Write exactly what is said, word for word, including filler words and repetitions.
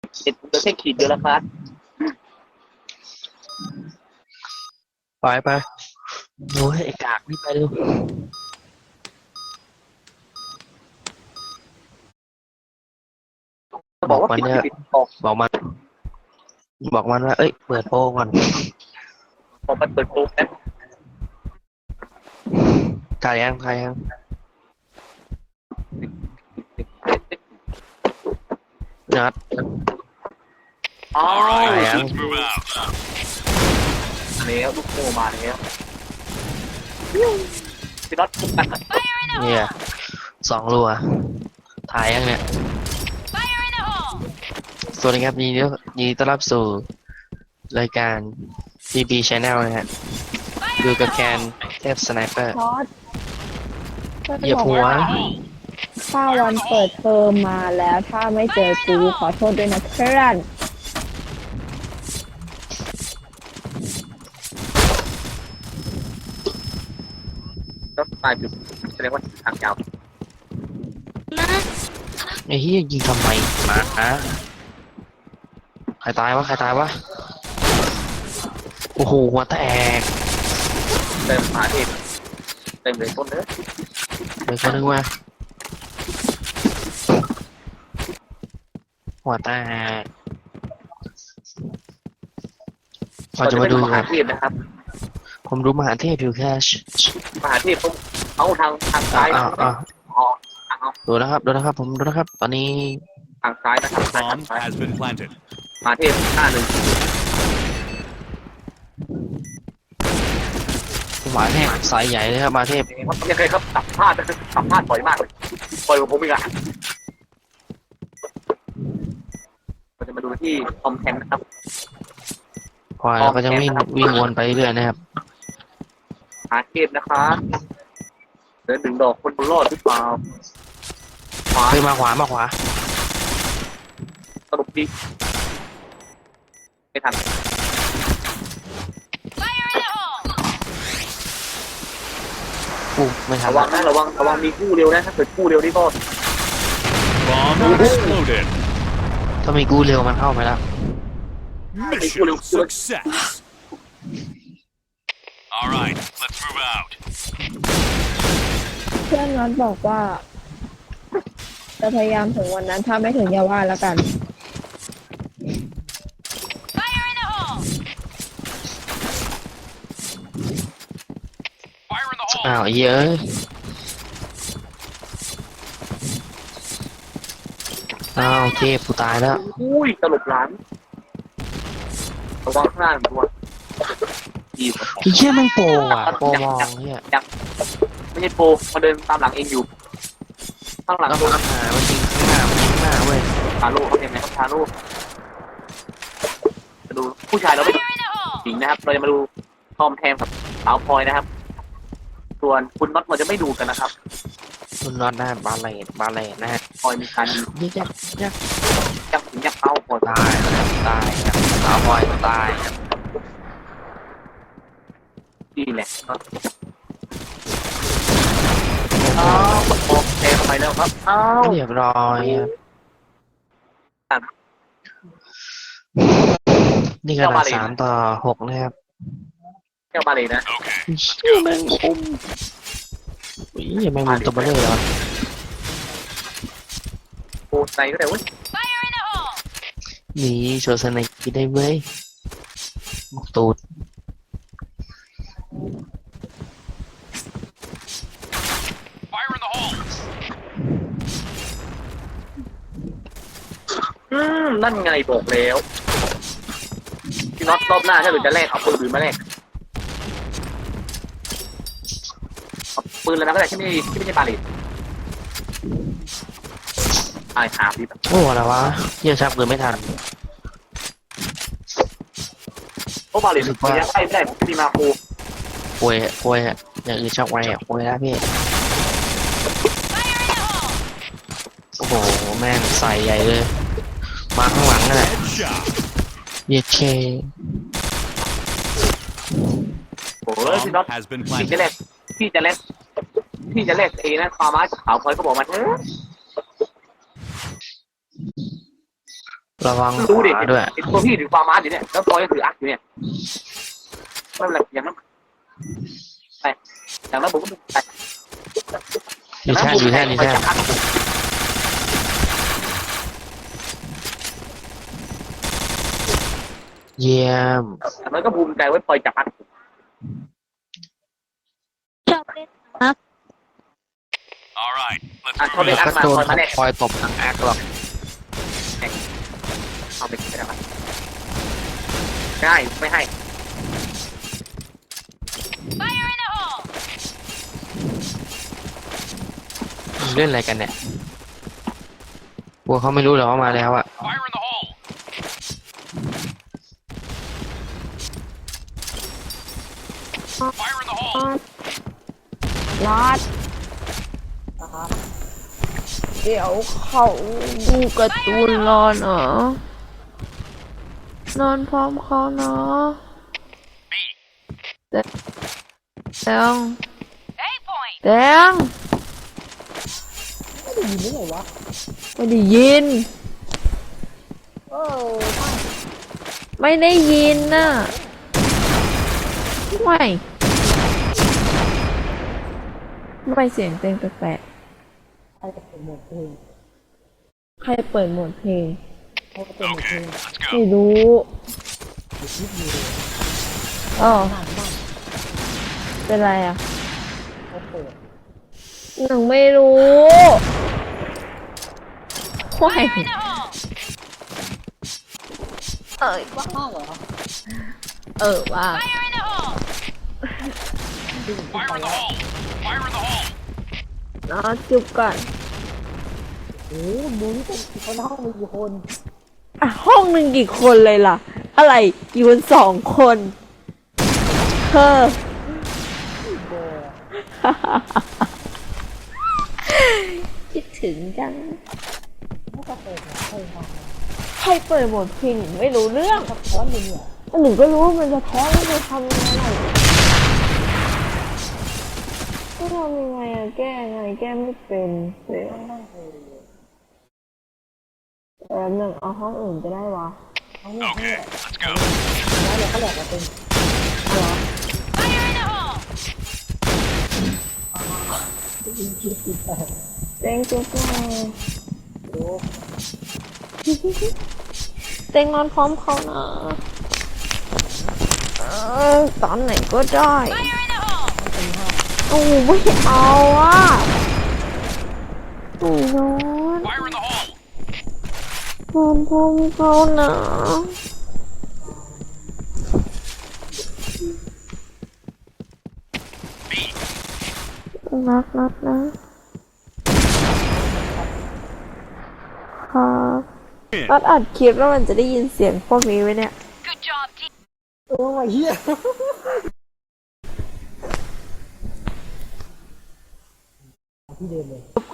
เห็นเหลือแค่ขีดเดียวแล้วครับไปไปโอ้ยไอ้กากนี่ไปเร็วจะบบอกว่าปิดอกมันเนี่ยปิดออกบอกมันบอกมันว่าเอ้ยเปิดโปรก่อนออกมันเปิดโปรแป๊บถ่ายยังถ่ายยังนัดอ้าวถ่ายยังแล้วลูกโมมาแล้วพี่น็อตเนี่ยสองรัวถ่ายยังเนี่ยสวัสดีครับยินดียินดีต้อนรับสู่รายการ บี บี Channel นะฮะดูกับแกนเทพสไนเปอร์ทอดก็จะเหยียบบอกหัวว่าถ้าวันเปิดเทอมมาแล้วถ้าไม่เจอกูขอโทษด้วยนะเพื่อนก็ตายจุดแสดงว่าทางยาวไอ้เหี้ยยิงทำไมหมาอะใครตายวะใครตายวะโอ้โหหัวแตกเติมหาเทพเต็มเลยต้นเนื้อเดี๋ยวคนนึงว่าหัวแตกเราจะมาดูมกัหาน เทพนะครับผมดูมหาเทพอยู่แค่มหาเทพต้องเอาทางทางซ้ายอ่านะอ่าอ๋อทางเอาดูนะครับดูนะครับผมดูนะครับตอนนี้ทางซ้ายนะครับทาง Bomb ซ้าย has been planted. มหาเทพหน้าหนึ่งมหาเทพสายใหญ่เลยครับมหาเทพว่ายังไงครับสัมภาษณ์สัมภาษณ์บ่อยมากเลยบ่อยกว่าผมอีกอ่ะเราจะมาดูที่คอมแทนนะครับพอแล้วก็จะวิ่งวิ่งวนไปเรื่อยนะครับหาเทพนะครับเดินหนึ่งดอกคนบนรอดหรือเปล่าขวาเฮ้ยมาขวามาขวาสรุปดีไม่ทันอู้ไม่ทันระวังนะระวังระวังมีกู้เร็วนะถ้าเกิดกู้เร็วนี่ก็ Bomb exploded. ถ้ามีกู้เร็วมันเข้าไปแล้ว Mission success. All right, let's move out. เพื่อนน็อตบอกว่า จะพยายามถึงวันนั้นถ้าไม่ถึงอย่าว่าแล้วกัน Fire in the hole. อ้าวไอ้เหี้ยเอ้ยอ้าวเทพกูตายแล้วอุ้ยตลบหลานระวังข้างหน้าด้วยดีไอ้เหี้ยแม่งโปรอ่ะโปรมองเหี้ยยังไม่ใช่โปรมาเดินตามหลังเองอยู่ ข้างหลังแล้วโดมัน นหามันยิงข้างหน้ามันยิงข้างหน้าเว้ยทาโร่เขาเห็นไหมครับทาโร่มาดูผู้ชายเราไม่ดูหญิงนะครับ เราจะมาดูทอมแทมกับสาวพลอยนะครับ ส่วนคุณน็อตเราจะไม่ดูกันนะครับคุณนอนได้บาเลตบาเลตนะฮะพลอยมีการดียิงยักยักยักถึงยักเข้าพลอยตายครับตายครับสาวพลอยตายครับดีแหละอ้าวทอมแทมไปแล้วครับอ้าวเรียบร้อยครับนี่ขนาดสามต่อหกนะครับแก้วมาเลยนะ Okay. เชี่ยแมงมุมอุ้ยแมงมุมตัวเบลอเลยโอ้ในก็ได้เว้ยหนีโชว์สไนกิได้เว้ยหมกตูด Fire in the hole. อืมนั่นไงบอกแล้วพี่น็อตรอบหน้าถ้าเกิดจะแลกเอาปืนอื่นมาแลกเอาปืนแล้วนะก็ได้ที่ไม่ที่ไม่ใช่บาเลตไอ้หาพี่แบบโอ้อะไรวะเยี่ยชักปืนไม่ทันเพราะบาเลตมันยังใกล้ไม่ได้ผมมีมาโคป่วยป่วยอะอย่างอื่นชักไวอะป่วยแล้วพี่โอ้โหแม่งใส่ใหญ่เลยมาข้างหลังนั่นแหละ Headshot. เยียเคโอ้ยพี่น็อต Bomb has been พี่จะ planted. แลกพี่จะแลกพี่จะแลกเอนะความไม้กับขาวพลอยก็บอกมาเถอะระวังขรู้ดิวาด้วยไอ้ตัวพี่ถือฟาร์มาสอยู่เนี่ยแล้วตัวก็ถืออักอยู่เนี่ยไม่เป็นไรอย่างนั้นไปอย่างนั้นผมก็ไปดีแท่นดีแท่นดีแท่นเยี่ยมมันก็ภูมิใจไว้ปล่อยจับอักชอบเล่นนะ All right, let's อ่ะ move เขาเล่น out. อักก็มาโดนคอยมาแน่คอยตบทางแอคหรอกเอาไปกินไปแล้วครับง่ายไม่ให้เล่นอะไรกันเนี่ยกลัวเขาไม่รู้หรอกว่ามาแล้วอะ Fire in the hole. Fire in the hole. นอดเดี๋ยวเขาดูการ์ตูนรอเนาะนอนพร้อมเขาเนาะ B. แดงแดงไม่ได้ยินไม่ได้ยินน่ะไม่ไม่เสียงเต้นแปลกๆใครเปิดโหมดเพลงใครเปิดโหมดเพลง Okay, let's ไม่ go. รู้อ๋อเป็นไรอ่ะหนึ่งไม่รู้ว้ายเออว่าเหรอเออว่า Fire in the hole. Fire in the hole. นอจุบก่อนโอ้ดูนี่เป็นคนห้องมีกี่คนอ่ะห้องหนึ่งกี่คนเลยล่ะ อะไรอยู่กันสองคนเธอ คิดถึงจังไม่ก็เปิดหัวเพลงมาใครเปิดโหมดเพลงไม่รู้เรื่องสะท้อนอยู่เนี่ยหนูก็รู้ว่ามันจะท้อนแล้วจะทำยังไงก็ทำยังไงอะแก้ไงแก้ไม่เป็นเดี๋ยวนั่งเพลงแป๊บหนึ่งเอาห้องอื่นจะได้วะเขาเนี่ย Okay, let's go. แล้วเราก็แหลกมาเป็นเหรออินคิดติดแต่เต็งจุ๊บหน่อยโอ้เต็งนอนพร้อมเขานะเออตอนไหนก็ได้โอ้ไม่เอาอ่ะโอ้นอน Fire in the hole. นอนพร้อมเขานะ B. นักนักนะครับตัดอัดคลิปแล้วมันจะได้ยินเสียงพวกนี้ไหมเนี่ยโอ้ยเฮียที่เดิมเลย